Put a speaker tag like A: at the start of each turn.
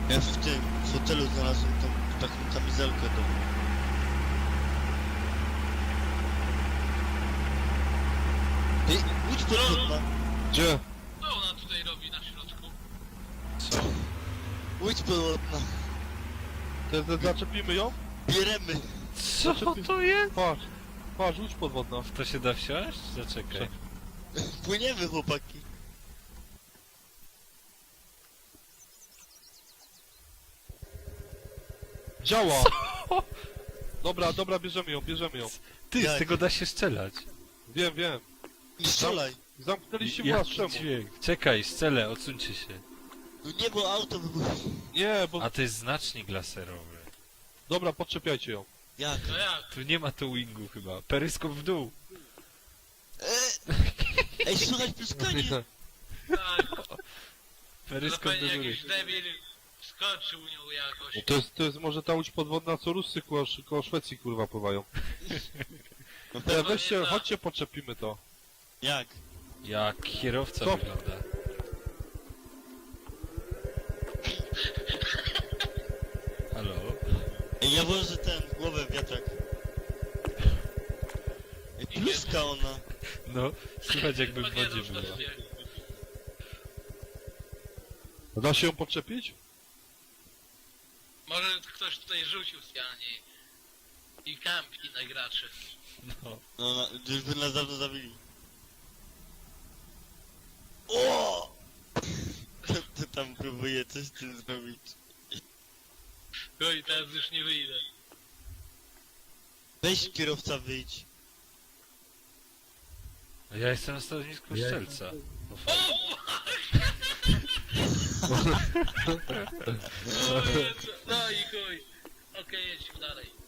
A: Ja w tym hotelu znalazłem tą taką kamizelkę do... Ej, łódź podwodna!
B: Gdzie?
C: Co ona tutaj robi na środku?
B: Co?
A: Łódź podwodna!
B: Zaczepimy ją?
A: Bieremy!
D: Co to jest?
B: Patrz, patrz, łódź podwodna.
D: W to się da wsiąść? Zaczekaj.
A: Płyniemy, chłopaki!
B: Działa! Dobra, dobra, bierzemy ją, bierzemy ją.
D: Ty, z
A: Jak?
D: tego da się strzelać.
B: Wiem, wiem.
A: Nie strzelaj!
B: Zamknęliście
D: Jaki
B: włas, czemu?
D: dźwięk? Czekaj, strzelę, odsuńcie się.
A: No nie, bo auto wybuchło.
B: Nie, bo...
D: A to jest znacznik laserowy.
B: Dobra, podczepiajcie ją.
A: Jak?
C: No jak?
D: Tu nie ma tu wingu chyba. Peryskop w dół.
A: Ej, słuchaj, pluskanie!
C: Tak, to
D: Peryskop do
C: pewnie
D: góry.
C: jakiś debil wskoczył nią jakoś.
B: No to jest może ta łódź podwodna, co Ruscy koło Szwecji, kurwa, pływają.
A: No
B: Ja
A: pewnie
B: weźcie,
C: tak.
B: chodźcie, podczepimy to.
A: jak?
D: Jak kierowca
B: Co?
D: wygląda. Halo?
A: Ej, ja włożę ten, głowę w wiatrak. Ej, pluska ona!
D: No, słychać jakby w
C: Chyba nie
D: wodzie
C: rusz,
D: była.
C: nie.
B: Da się ją podczepić?
C: Może ktoś tutaj rzucił specjalnie i kampi na graczy.
D: No.
A: No, już by nas dawno zabili. O! To tam próbuje coś z tym zrobić.
C: Oj, teraz już nie wyjdę.
A: Weź kierowca, wyjdź.
D: A ja jestem na stanowisku strzelca. No,
C: No i chuj. Okej, jedźmy dalej.